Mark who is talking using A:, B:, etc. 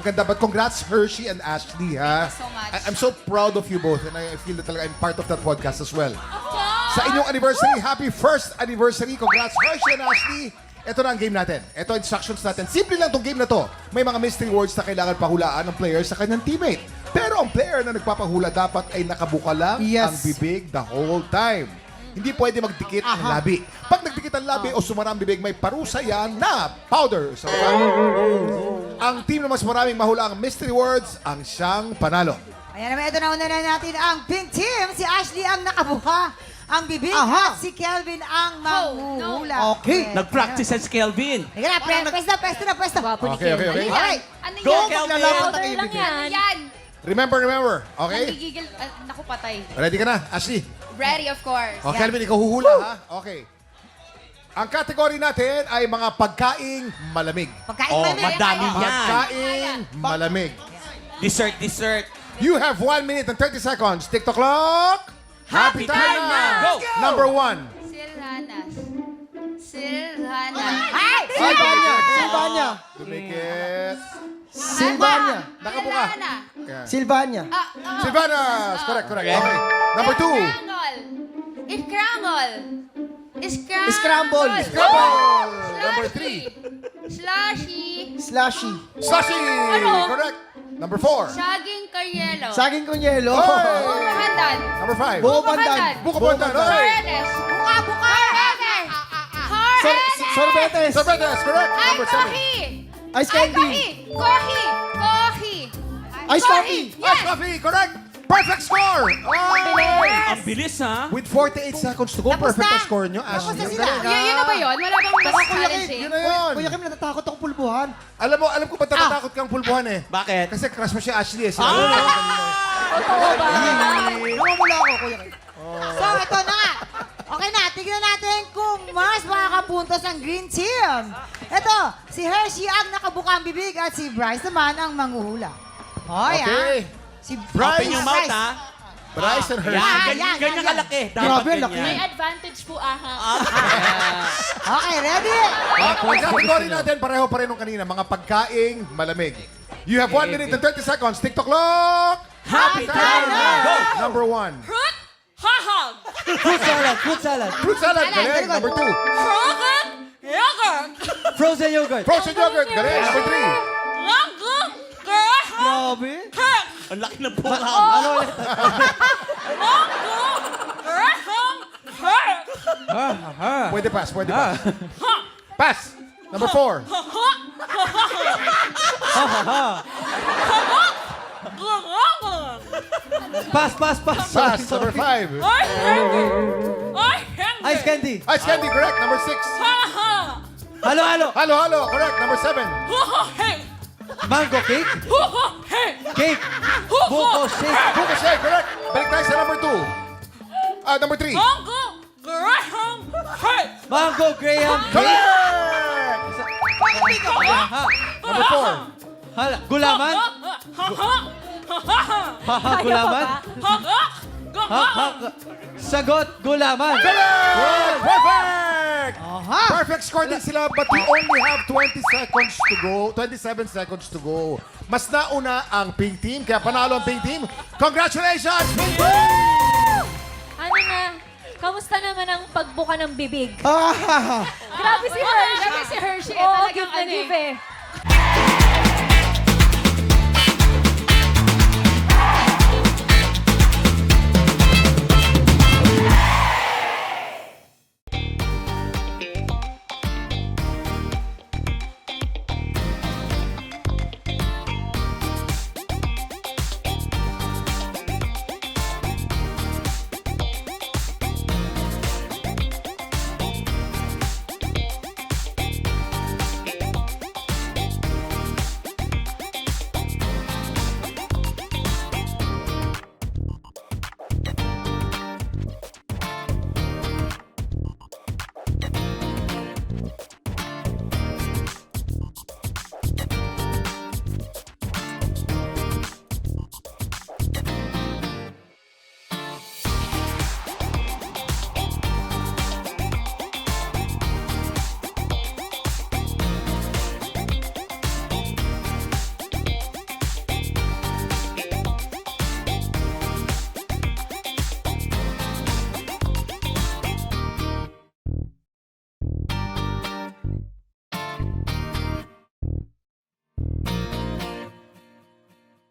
A: Ang ganda. But congrats, Hershey and Ashley, ha?
B: Thank you so much.
A: I'm so proud of you both and I feel that talaga I'm part of that podcast as well. Sa inyong anniversary, happy first anniversary. Congrats, Hershey and Ashley. Ito na ang game natin. Ito ang instructions natin. Simple lang tong game na to. May mga mystery words na kailangan pahulaan ng player sa kanyang teammate. Pero ang player na nagpapahula dapat ay nakabuka lang ang bibig the whole time. Hindi pwede magdikit ang labi. Pag nagdikit ang labi o sumara ang bibig, may parusa yan na powder. So, ang team na mas maraming mahula ang mystery words ang siyang panalo.
C: Ayan naman, ito na una na natin ang pink team. Si Ashley ang nakabuka ang bibig at si Kelvin ang manghuhula.
D: Okay.
E: Nag-practice si Kelvin.
C: Teka na, pwesto.
B: Gwapo ni
A: Okay.
B: Kelvin.
A: Okay.
B: Ano
E: Go,
B: yan?
E: Kelvin!
B: Powder lang yan. Yan.
A: Remember. Okay?
B: Nanggigigil. Naku, patay.
A: Ready ka na, Ashley?
B: Ready, of course.
A: O, Kelvin, ikaw huhula, ha? Okay. Ang category natin ay mga pagkaing malamig.
C: Pagkain
E: Oh,
C: malamig.
E: madami yan.
A: Pagkaing malamig.
E: Dessert.
A: You have 1 minute and 30 seconds. TikTok clock. Happy time na!
E: Go!
A: Number 1.
B: Silhanas.
C: Ay!
D: Silvania.
A: Dumikit.
D: Silvania.
A: Nakabuka.
B: Silhana.
A: Yeah.
D: Silvania.
A: Silvanas. Correct. Okay. Number 2.
D: Scramble.
A: Number 3.
B: Slushy.
D: Slushy.
A: Sashi. Correct. Number 4.
B: Saging karyelo.
D: Saging con yelo.
B: Bukahandan.
A: Number 5.
D: Buko pandan.
A: Buko pandan. Okay.
B: Paredes. Buka.
D: Sorbetes.
A: Sorbetes. Correct.
B: Ay,
A: Number 7.
B: coffee.
D: Ice candy.
B: Coffee.
D: Ice coffee.
A: Ice coffee. Correct. Perfect score.
E: Ang bilis, ha?
A: With 48 seconds to go,
C: Tapos
A: perfect
C: na.
A: ang score nyo,
C: Tapos
A: Ashley.
C: na
A: Ang
C: sila.
A: galing, ha?
B: Yun na ba yun? Wala bang mas challenging?
A: Yun na yun.
D: Kuya Kim, natatakot ako pulbuhan.
A: Alam ko ba't natatakot kang pulbuhan eh?
E: Bakit?
A: Kasi crush mo si Ashley eh.
D: Namamula ako, Kuya Kim.
C: So, ito na nga. Okay na, tignan natin kung mas makakapuntos ang green team. Ito, si Hershey ang nakabuka ang bibig at si Bryce naman ang manghuhula. Hoy,
A: Okay.
C: Si
A: Bryce.
E: Open yung mouth, ha?
A: Bryce and Hershey.
E: Yan, ganyan kalaki. Dapat
D: Grabe,
E: ganyan.
D: laki.
F: May advantage po, aha.
C: Okay, ready?
A: Ang category natin, pareho pa rin nung kanina, mga pagkaing malamig. You have 1 minute and 30 seconds. TikTok clock.
E: Happy time na! Go!
A: Number 1.
F: Fruit, hahag.
D: Fruit salad.
A: Fruit salad. Galing. Number 2.
F: Frozen, yogurt.
D: Frozen yogurt.
A: Frozen yogurt. Galing. Number 3.
F: Mango, graham,
D: Grabe.
F: hurt.
E: Ang laki ng pula.
D: Ano ulit?
F: Mango, graham, hurt.
A: Pwede pass. Pass. Number 4.
D: Pass.
A: Pass. Number 5.
D: Ice candy.
A: Ice candy. Correct. Number 6.
D: Halo.
A: Halo. Correct. Number 7.
D: Mango cake. Cake. Buko shake.
A: Buko shake. Correct. Balik tayo sa number 2. Number 3.
D: Mango graham cake.
A: Correct. Number 4.
D: Hala. Gulaman. Gulaman. Sagot. Gulaman.
A: Correct! Perfect!
C: Aha.
A: Perfect score din sila, but we only have 20 seconds to go. 27 seconds to go. Mas nauna ang pink team, kaya panalo ang pink team. Congratulations, pink team!
F: Ano na? Kamusta naman ang pagbuka ng bibig?
D: Ah.
F: Grabe si Hershey.
B: Grabe si Hershey.
F: Oo,
B: Talagang
F: give na
B: ano eh.
F: give eh.